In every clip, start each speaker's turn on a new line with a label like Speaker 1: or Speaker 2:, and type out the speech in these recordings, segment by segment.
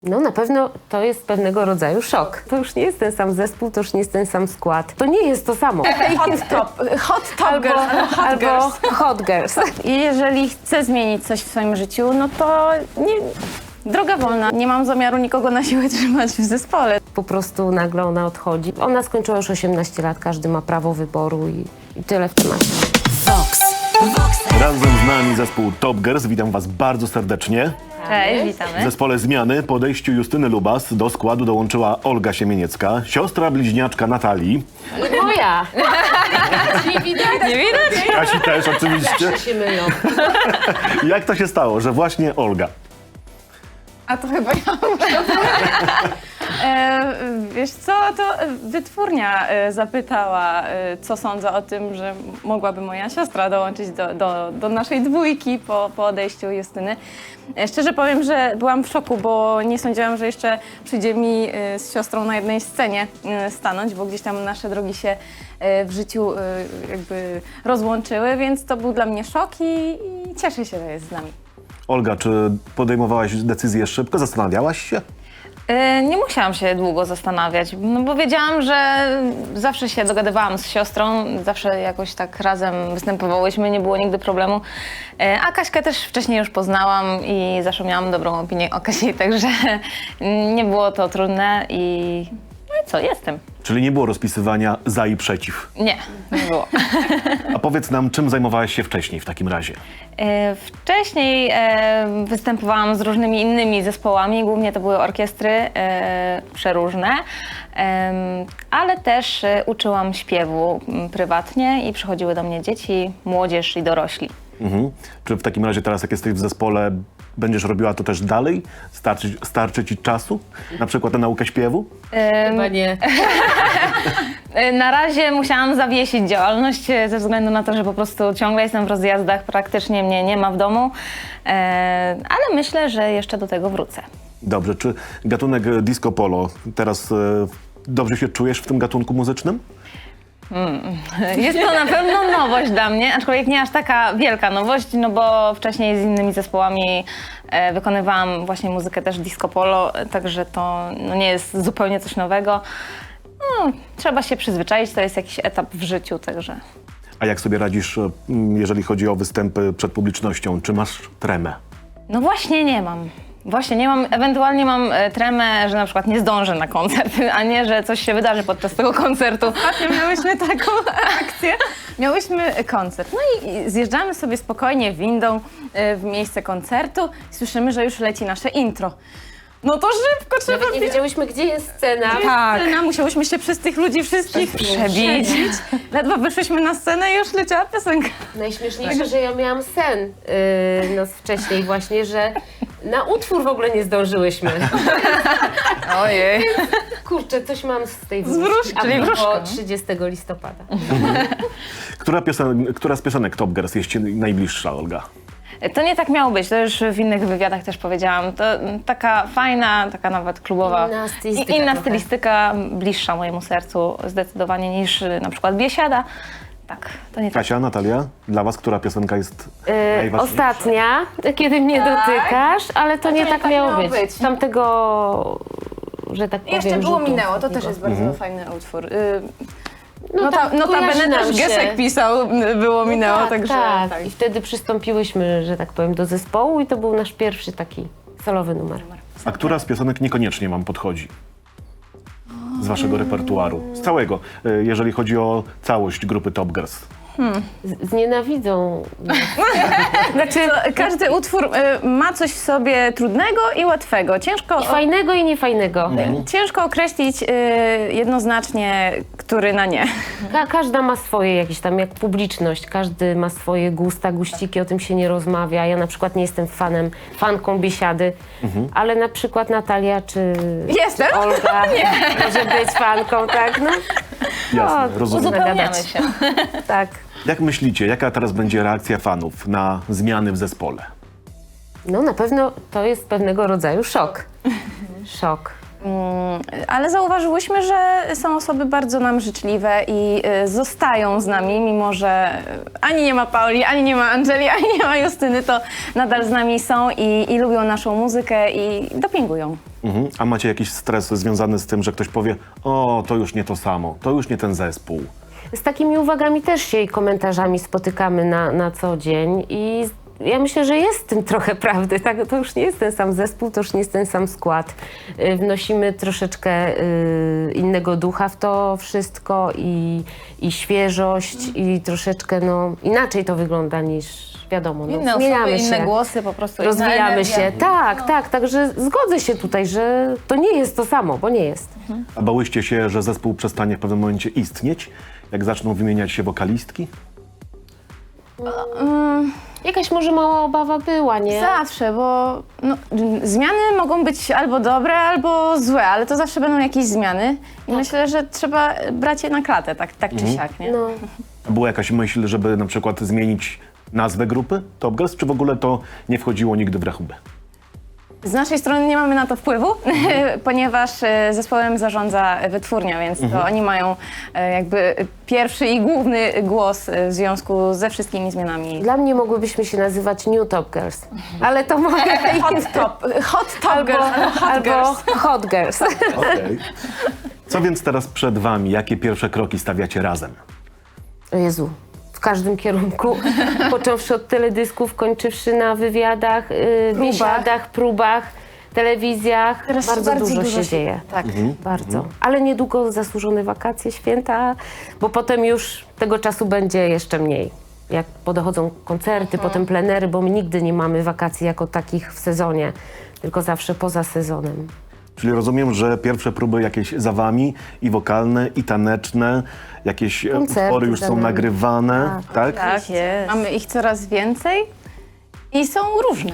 Speaker 1: No na pewno to jest pewnego rodzaju szok. To już nie jest ten sam zespół, to już nie jest ten sam skład. To nie jest to samo.
Speaker 2: Hot Top Girls
Speaker 1: Albo Hot Girls.
Speaker 2: I jeżeli chcę zmienić coś w swoim życiu, no to nie, droga wolna. Nie mam zamiaru nikogo na siłę trzymać w zespole.
Speaker 1: Po prostu nagle ona odchodzi. Ona skończyła już 18 lat, każdy ma prawo wyboru i tyle w temacie.
Speaker 3: Razem z nami zespół Top Girls. Witam was bardzo serdecznie.
Speaker 2: Cześć,
Speaker 3: W
Speaker 2: witamy.
Speaker 3: zespole Zmiany po odejściu Justyny Lubas do składu dołączyła Olga Siemieniecka, siostra bliźniaczka Natalii.
Speaker 1: I moja. Nie widać?
Speaker 2: Nie widać?
Speaker 3: Kasi też oczywiście.
Speaker 1: Się mylą.
Speaker 3: Jak to się stało, że właśnie Olga?
Speaker 2: A to chyba ja muszę. Wiesz co, to wytwórnia zapytała, co sądzę o tym, że mogłaby moja siostra dołączyć do naszej dwójki po odejściu Justyny. Szczerze powiem, że byłam w szoku, bo nie sądziłam, że jeszcze przyjdzie mi z siostrą na jednej scenie stanąć, bo gdzieś tam nasze drogi się w życiu jakby rozłączyły, więc to był dla mnie szok i cieszę się, że jest z nami.
Speaker 3: Olga, czy podejmowałaś decyzję szybko? Zastanawiałaś się?
Speaker 2: Nie musiałam się długo zastanawiać, no bo wiedziałam, że zawsze się dogadywałam z siostrą, zawsze jakoś tak razem występowałyśmy, nie było nigdy problemu. A Kaśkę też wcześniej już poznałam i zawsze miałam dobrą opinię o Kasi, także nie było to trudne i no i co, jestem.
Speaker 3: Czyli nie było rozpisywania za i przeciw.
Speaker 2: Nie było.
Speaker 3: A powiedz nam, czym zajmowałaś się wcześniej w takim razie?
Speaker 2: Wcześniej występowałam z różnymi innymi zespołami, głównie to były orkiestry przeróżne, ale też uczyłam śpiewu prywatnie i przychodziły do mnie dzieci, młodzież i dorośli.
Speaker 3: Mhm. Czy w takim razie teraz, jak jesteś w zespole, będziesz robiła to też dalej? Starczy ci czasu? Na przykład na naukę śpiewu?
Speaker 1: Chyba nie.
Speaker 2: Na razie musiałam zawiesić działalność ze względu na to, że po prostu ciągle jestem w rozjazdach, praktycznie mnie nie ma w domu, ale myślę, że jeszcze do tego wrócę.
Speaker 3: Dobrze, czy gatunek disco polo teraz dobrze się czujesz w tym gatunku muzycznym?
Speaker 2: Jest to na pewno nowość dla mnie, aczkolwiek nie aż taka wielka nowość, no bo wcześniej z innymi zespołami wykonywałam właśnie muzykę też disco polo, także to no, nie jest zupełnie coś nowego. No, trzeba się przyzwyczaić, to jest jakiś etap w życiu, także...
Speaker 3: A jak sobie radzisz, jeżeli chodzi o występy przed publicznością? Czy masz tremę?
Speaker 2: No właśnie nie mam. Właśnie nie mam, ewentualnie mam tremę, że na przykład nie zdążę na koncert, a nie, że coś się wydarzy podczas tego koncertu. Ostatnio miałyśmy taką akcję. Miałyśmy koncert, no i zjeżdżamy sobie spokojnie windą w miejsce koncertu i słyszymy, że już leci nasze intro. No to szybko trzeba...
Speaker 1: Nawet nie wiedziałyśmy, gdzie jest scena.
Speaker 2: Tak. Scena, musiałyśmy się przez tych ludzi wszystkich przebić. Ledwo wyszłyśmy na scenę i już leciała piosenka.
Speaker 1: Najśmieszniejsze, że ja miałam sen noc wcześniej właśnie, że na utwór w ogóle nie zdążyłyśmy.
Speaker 2: Ojej.
Speaker 1: Kurczę, coś mam z tej
Speaker 2: wróżki, czyli
Speaker 1: a
Speaker 2: wróżka.
Speaker 1: propos 30 listopada.
Speaker 3: Która z piosenek Top Girls jest ci najbliższa, Olga?
Speaker 2: To nie tak miało być, to już w innych wywiadach też powiedziałam. To taka fajna, taka nawet klubowa,
Speaker 1: Inna stylistyka
Speaker 2: inna
Speaker 1: trochę.
Speaker 2: stylistyka, bliższa mojemu sercu zdecydowanie niż na przykład Biesiada. Tak, to nie tak.
Speaker 3: Kasia, Natalia, dla was która piosenka jest najważniejsza?
Speaker 1: Ostatnia, kiedy mnie dotykasz, ale to nie tak miało być. Tamtego, że tak powiem,
Speaker 2: Jeszcze było
Speaker 1: rzutu
Speaker 2: Minęło, to też
Speaker 1: takiego.
Speaker 2: jest bardzo fajny utwór.
Speaker 1: tak,
Speaker 2: Notabene
Speaker 1: kojarzy nam
Speaker 2: też
Speaker 1: się.
Speaker 2: Gesek pisał, było Minęło,
Speaker 1: Tak,
Speaker 2: także...
Speaker 1: tak. I wtedy przystąpiłyśmy, że tak powiem, do zespołu i to był nasz pierwszy taki solowy numer.
Speaker 3: A która z piosenek niekoniecznie wam podchodzi? Z waszego repertuaru? Z całego, jeżeli chodzi o całość grupy Top Girls.
Speaker 1: Znienawidzą nas.
Speaker 2: Znaczy, każdy utwór ma coś w sobie trudnego i łatwego.
Speaker 1: I fajnego i niefajnego.
Speaker 2: Ciężko określić jednoznacznie, który na nie.
Speaker 1: Każda ma swoje jakieś tam, jak publiczność, każdy ma swoje gusta, guściki, o tym się nie rozmawia. Ja na przykład nie jestem fanką Biesiady, ale na przykład Natalia czy
Speaker 2: Jestem?
Speaker 1: Olga może być fanką, tak? No,
Speaker 3: Jasne, rozumiem.
Speaker 2: Uzupełniamy
Speaker 1: nagadać.
Speaker 2: się.
Speaker 1: tak.
Speaker 3: Jak myślicie, jaka teraz będzie reakcja fanów na zmiany w zespole?
Speaker 1: No na pewno to jest pewnego rodzaju szok. Szok.
Speaker 2: Ale zauważyłyśmy, że są osoby bardzo nam życzliwe i zostają z nami, mimo że ani nie ma Pauli, ani nie ma Angeli, ani nie ma Justyny, to nadal z nami są i lubią naszą muzykę i dopingują.
Speaker 3: A macie jakiś stres związany z tym, że ktoś powie, o, to już nie to samo, to już nie ten zespół.
Speaker 1: Z takimi uwagami też się i komentarzami spotykamy na co dzień i ja myślę, że jest w tym trochę prawdy. Tak? To już nie jest ten sam zespół, to już nie jest ten sam skład. Wnosimy troszeczkę innego ducha w to wszystko i świeżość i troszeczkę inaczej to wygląda niż wiadomo.
Speaker 2: Inne osoby, inne głosy, po prostu inna
Speaker 1: rozwijamy
Speaker 2: energia.
Speaker 1: się. Tak, także zgodzę się tutaj, że to nie jest to samo, bo nie jest.
Speaker 3: A bałyście się, że zespół przestanie w pewnym momencie istnieć, jak zaczną wymieniać się wokalistki?
Speaker 1: Jakaś może mała obawa była, nie?
Speaker 2: Zawsze, bo zmiany mogą być albo dobre, albo złe, ale to zawsze będą jakieś zmiany i myślę, że trzeba brać je na klatę, tak czy siak, nie?
Speaker 1: No.
Speaker 3: A była jakaś myśl, żeby na przykład zmienić nazwę grupy Top Girls, czy w ogóle to nie wchodziło nigdy w rachubę?
Speaker 2: Z naszej strony nie mamy na to wpływu, ponieważ zespołem zarządza wytwórnia, więc to oni mają jakby pierwszy i główny głos w związku ze wszystkimi zmianami.
Speaker 1: Dla mnie mogłybyśmy się nazywać New Top Girls, ale to mogę
Speaker 2: Hot Top Girls,
Speaker 1: albo Hot Girls.
Speaker 3: Okej. Co więc teraz przed wami? Jakie pierwsze kroki stawiacie razem?
Speaker 1: O Jezu, w każdym kierunku, począwszy od teledysków, kończywszy na wywiadach, biesiadach, próbach, telewizjach.
Speaker 2: Teraz
Speaker 1: Bardzo dużo się dzieje.
Speaker 2: Tak.
Speaker 1: Bardzo. Ale niedługo zasłużone wakacje, święta, bo potem już tego czasu będzie jeszcze mniej. Jak podochodzą koncerty, potem plenery, bo my nigdy nie mamy wakacji jako takich w sezonie, tylko zawsze poza sezonem.
Speaker 3: Czyli rozumiem, że pierwsze próby jakieś za wami, i wokalne, i taneczne, jakieś
Speaker 1: Koncerty
Speaker 3: utwory już
Speaker 1: za
Speaker 3: są
Speaker 1: nami.
Speaker 3: nagrywane, tak?
Speaker 2: Tak,
Speaker 1: jest.
Speaker 2: mamy ich coraz więcej i są różne.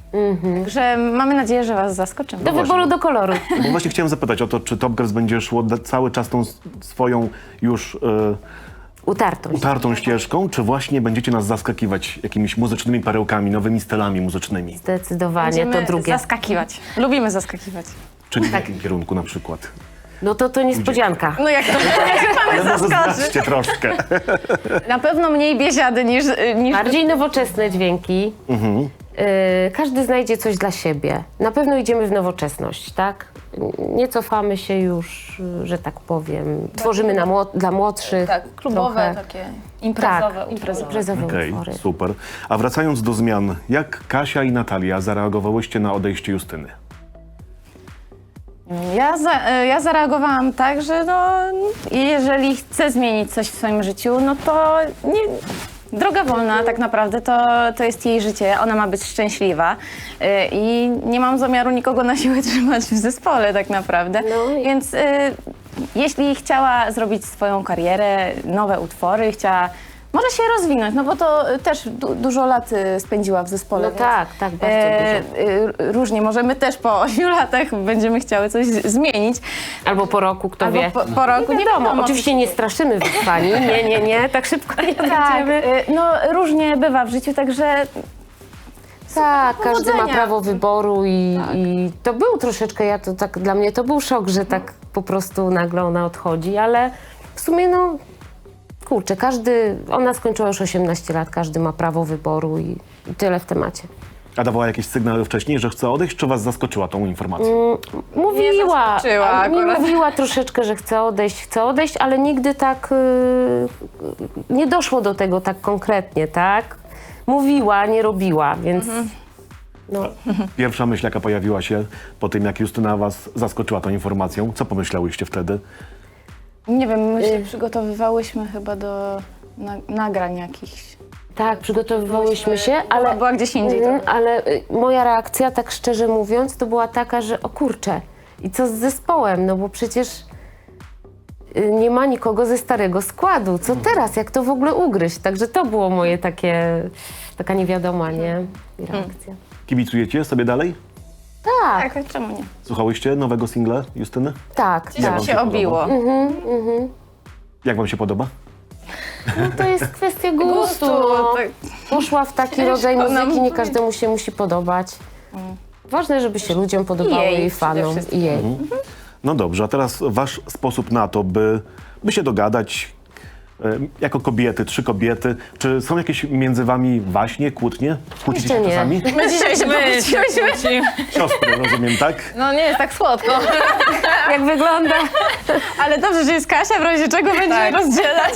Speaker 2: Także mamy nadzieję, że was zaskoczymy.
Speaker 1: Do wyboru, do koloru.
Speaker 3: Bo właśnie chciałem zapytać o to, czy Top Girls będzie szło cały czas tą swoją już
Speaker 1: Utartość.
Speaker 3: utartą ścieżką, czy właśnie będziecie nas zaskakiwać jakimiś muzycznymi perełkami, nowymi stylami muzycznymi?
Speaker 1: Zdecydowanie to drugie.
Speaker 2: Zaskakiwać. Lubimy zaskakiwać.
Speaker 3: Czyli w jakim kierunku na przykład?
Speaker 1: No to niespodzianka.
Speaker 2: No jak to mamy
Speaker 3: Ale może
Speaker 2: zaskoczyć?
Speaker 3: zdradźcie troszkę.
Speaker 2: Na pewno mniej biesiady niż
Speaker 1: Bardziej nowoczesne dźwięki. Każdy znajdzie coś dla siebie. Na pewno idziemy w nowoczesność, tak? Nie cofamy się już, że tak powiem. Tworzymy dla młodszych.
Speaker 2: tak, klubowe,
Speaker 1: trochę.
Speaker 2: takie imprezowe.
Speaker 1: Tak, imprezowe
Speaker 3: Okej,
Speaker 1: utwory.
Speaker 3: super. A wracając do zmian, jak Kasia i Natalia zareagowałyście na odejście Justyny?
Speaker 2: Ja zareagowałam tak, że jeżeli chcę zmienić coś w swoim życiu, no to droga wolna tak naprawdę, to jest jej życie, ona ma być szczęśliwa i nie mam zamiaru nikogo na siłę trzymać w zespole tak naprawdę, więc jeśli chciała zrobić swoją karierę, nowe utwory, chciała może się rozwinąć, no bo to też dużo lat spędziła w zespole.
Speaker 1: No
Speaker 2: więc,
Speaker 1: tak, bardzo dużo.
Speaker 2: Różnie, może my też po 8 latach będziemy chciały coś zmienić.
Speaker 1: Albo po roku, kto wie.
Speaker 2: Albo po roku,
Speaker 1: Nie wiadomo. Oczywiście nie straszymy wyzwani, nie, tak szybko nie
Speaker 2: Tak,
Speaker 1: będziemy.
Speaker 2: różnie bywa w życiu, także
Speaker 1: Tak, każdy ma
Speaker 2: powodzenia.
Speaker 1: prawo wyboru i to był troszeczkę, dla mnie to był szok, że tak po prostu nagle ona odchodzi, ale w sumie kurczę, ona skończyła już 18 lat, każdy ma prawo wyboru i tyle w temacie.
Speaker 3: A dawała jakieś sygnały wcześniej, że chce odejść, czy was zaskoczyła tą informacją?
Speaker 1: Mówiła,
Speaker 2: zaskoczyła
Speaker 1: nie
Speaker 2: akurat.
Speaker 1: mówiła troszeczkę, że chce odejść, ale nigdy tak nie doszło do tego tak konkretnie, tak? Mówiła, nie robiła, więc
Speaker 3: Pierwsza myśl, jaka pojawiła się po tym, jak Justyna was zaskoczyła tą informacją, co pomyślałyście wtedy?
Speaker 2: nie wiem, my się przygotowywałyśmy chyba do nagrań jakichś.
Speaker 1: tak, przygotowywałyśmy się, ale
Speaker 2: Była gdzieś indziej.
Speaker 1: ale moja reakcja, tak szczerze mówiąc, to była taka, że o kurczę, i co z zespołem, no bo przecież nie ma nikogo ze starego składu. Co teraz, jak to w ogóle ugryźć? Także to było moje taka niewiadoma, nie? Reakcja.
Speaker 3: Kibicujecie sobie dalej?
Speaker 1: Tak,
Speaker 2: Tak, czemu nie?
Speaker 3: Słuchałyście nowego singla Justyny?
Speaker 1: tak.
Speaker 2: Gdzieś mi się obiło.
Speaker 3: Jak wam się podoba?
Speaker 1: No to jest kwestia gustu. No.
Speaker 2: tak.
Speaker 1: Poszła w taki rodzaj
Speaker 2: nam
Speaker 1: muzyki, nie
Speaker 2: powiedzieć.
Speaker 1: każdemu się musi podobać. Ważne, żeby się ludziom podobało,
Speaker 2: jej
Speaker 1: jej
Speaker 2: przede
Speaker 1: fanom
Speaker 2: wszystkim.
Speaker 1: i jej.
Speaker 3: No dobrze, a teraz wasz sposób na to, by się dogadać, jako kobiety, 3 kobiety, czy są jakieś między wami waśnie, kłótnie? Kłócicie się
Speaker 1: Jeszcze nie.
Speaker 3: czasami?
Speaker 2: My dzisiaj się pokłóciłyśmy.
Speaker 3: Siostry, rozumiem, tak?
Speaker 2: No nie jest tak słodko.
Speaker 1: Jak wygląda?
Speaker 2: Ale dobrze, że jest Kasia, w razie czego będziemy rozdzielać.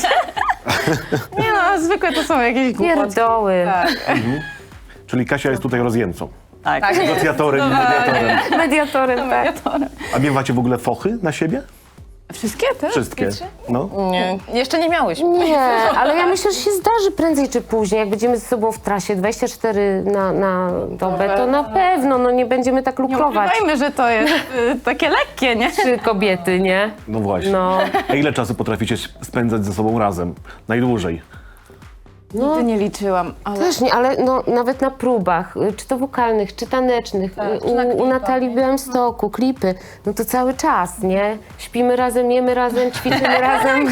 Speaker 2: Nie no, zwykle to są jakieś głupoty.
Speaker 1: Pierdoły.
Speaker 2: Tak.
Speaker 3: Czyli Kasia jest tutaj rozjemcą,
Speaker 2: Tak.
Speaker 3: negocjatorem i mediatorem.
Speaker 1: Mediatorem, tak.
Speaker 2: Mediatorem.
Speaker 3: A miewacie w ogóle fochy na siebie?
Speaker 2: Wszystkie te?
Speaker 3: Wszystkie. No.
Speaker 2: Nie, jeszcze nie miałyśmy.
Speaker 1: Nie, ale ja myślę, że się zdarzy prędzej czy później. Jak będziemy ze sobą w trasie 24 na dobę, to na pewno no, nie będziemy tak
Speaker 2: Nie
Speaker 1: lukrować.
Speaker 2: ukrywajmy, że to jest takie lekkie, nie?
Speaker 1: 3 kobiety, nie?
Speaker 3: No właśnie.
Speaker 1: No.
Speaker 3: A ile czasu potraficie spędzać ze sobą razem? Najdłużej?
Speaker 2: Nigdy nie liczyłam, ale...
Speaker 1: Też nie, ale no, nawet na próbach, czy to wokalnych, czy tanecznych,
Speaker 2: czy na
Speaker 1: u
Speaker 2: klipach,
Speaker 1: Natalii
Speaker 2: nie?
Speaker 1: Białymstoku, klipy, no to cały czas, nie? Śpimy razem, jemy razem, ćwiczymy razem.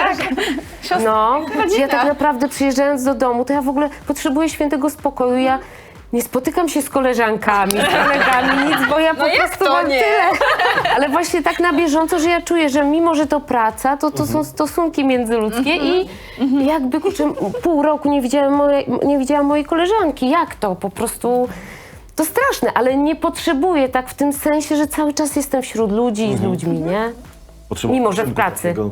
Speaker 1: No, ja tak naprawdę przyjeżdżając do domu, to ja w ogóle potrzebuję świętego spokoju, ja nie spotykam się z koleżankami, z kolegami, nic, bo ja po
Speaker 2: jak
Speaker 1: prostu
Speaker 2: to
Speaker 1: mam
Speaker 2: nie?
Speaker 1: tyle. Ale właśnie tak na bieżąco, że ja czuję, że mimo, że to praca, to są stosunki międzyludzkie i jakby kurczę, pół roku nie widziałam mojej koleżanki. Jak to? Po prostu to straszne, ale nie potrzebuję tak w tym sensie, że cały czas jestem wśród ludzi i z ludźmi, nie? Mimo, że w pracy.
Speaker 3: Takiego.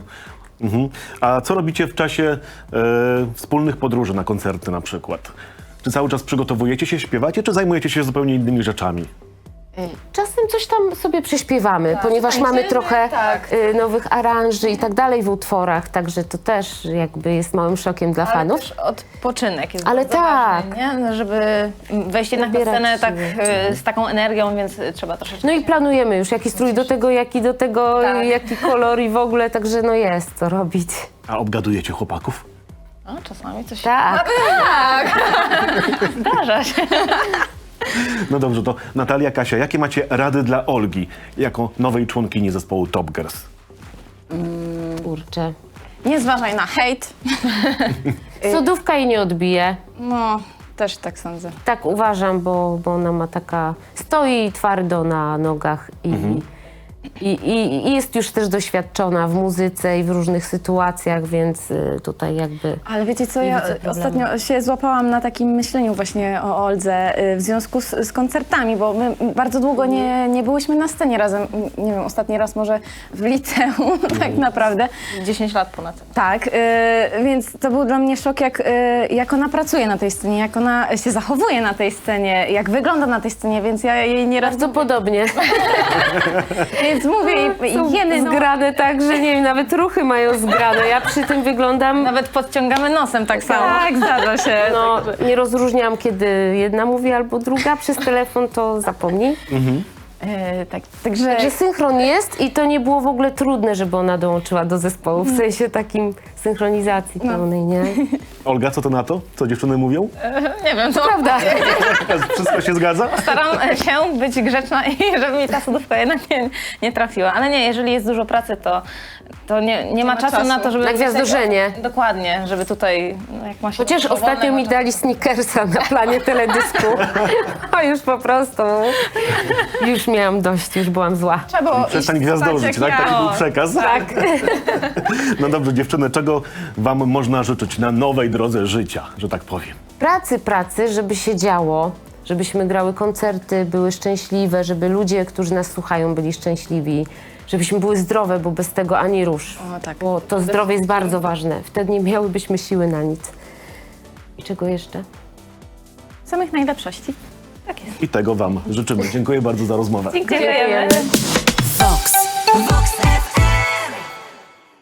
Speaker 3: A co robicie w czasie wspólnych podróży na koncerty na przykład? Czy cały czas przygotowujecie się, śpiewacie, czy zajmujecie się zupełnie innymi rzeczami?
Speaker 1: Czasem coś tam sobie prześpiewamy, ponieważ mamy
Speaker 2: tańczymy,
Speaker 1: trochę
Speaker 2: tak.
Speaker 1: nowych aranży i tak dalej w utworach, także to też jakby jest małym szokiem dla
Speaker 2: Ale
Speaker 1: fanów.
Speaker 2: też odpoczynek jest
Speaker 1: Ale
Speaker 2: bardzo
Speaker 1: tak.
Speaker 2: ważny, nie? Żeby wejść jednak na
Speaker 1: Nabierać
Speaker 2: scenę tak
Speaker 1: siły.
Speaker 2: z taką energią, więc trzeba troszeczkę...
Speaker 1: No i planujemy już, jaki strój do tego,
Speaker 2: Tak.
Speaker 1: jaki kolor i w ogóle, także no jest co robić.
Speaker 3: A obgadujecie chłopaków?
Speaker 2: A, czasami coś
Speaker 1: Tak.
Speaker 2: zdarza się.
Speaker 3: No dobrze, to Natalia, Kasia, jakie macie rady dla Olgi jako nowej członkini zespołu Top Girls?
Speaker 1: Kurczę.
Speaker 2: Nie zważaj na hejt.
Speaker 1: Sodówka jej nie odbije.
Speaker 2: No, też tak sądzę.
Speaker 1: Tak uważam, bo ona ma taka... Stoi twardo na nogach i jest już też doświadczona w muzyce i w różnych sytuacjach, więc tutaj jakby...
Speaker 2: Ale wiecie co,
Speaker 1: Nie
Speaker 2: ja
Speaker 1: widzę problemu.
Speaker 2: ostatnio się złapałam na takim myśleniu właśnie o Oldze w związku z koncertami, bo my bardzo długo nie byłyśmy na scenie razem. Nie wiem, ostatni raz może w liceum tak naprawdę.
Speaker 4: 10 lat ponad.
Speaker 2: Tak, więc to był dla mnie szok, jak ona pracuje na tej scenie, jak ona się zachowuje na tej scenie, jak wygląda na tej scenie, więc ja jej nieraz...
Speaker 1: Bardzo podobnie.
Speaker 2: Więc mówię
Speaker 1: Są
Speaker 2: i jeny, no,
Speaker 1: zgrane tak, że nie wiem, nawet ruchy mają zgrane. Ja przy tym wyglądam...
Speaker 2: nawet podciągamy nosem tak samo. Tak, zdarza się.
Speaker 1: No, nie rozróżniam, kiedy jedna mówi albo druga. Przez telefon to zapomnij.
Speaker 2: Także
Speaker 1: Także synchron jest i to nie było w ogóle trudne, żeby ona dołączyła do zespołu. W sensie takim synchronizacji pełnej, nie?
Speaker 3: Olga, co to na to? Co dziewczyny mówią?
Speaker 2: nie wiem, to
Speaker 1: Prawda.
Speaker 3: Wszystko się zgadza?
Speaker 2: staram się być grzeczna i żeby mi ta sodówka jednak nie trafiła. Ale nie, jeżeli jest dużo pracy, to nie ma czasu na to, żeby...
Speaker 1: Na gwiazdorzenie.
Speaker 2: Dokładnie, żeby tutaj, no jak ma się...
Speaker 1: Chociaż ostatnio mi dali Snickersa na planie teledysku. A już po prostu. Już miałam dość, już byłam zła.
Speaker 2: Trzeba było
Speaker 3: Przestań
Speaker 2: iść
Speaker 3: gwiazdorzyć,
Speaker 2: spać,
Speaker 3: tak?
Speaker 2: jak
Speaker 3: Taki był
Speaker 2: ja.
Speaker 3: przekaz.
Speaker 1: Tak.
Speaker 3: No dobrze, dziewczyny, czego wam można życzyć na nowej drodze życia, że tak powiem?
Speaker 1: Pracy, żeby się działo, żebyśmy grały koncerty, były szczęśliwe, żeby ludzie, którzy nas słuchają, byli szczęśliwi, żebyśmy były zdrowe, bo bez tego ani rusz.
Speaker 2: O, tak.
Speaker 1: Bo to zdrowie jest bardzo ważne. Wtedy nie miałybyśmy siły na nic. I czego jeszcze?
Speaker 2: Samych najlepszości. Tak jest.
Speaker 3: I tego wam życzymy. Dziękuję bardzo za rozmowę.
Speaker 2: Dziękujemy.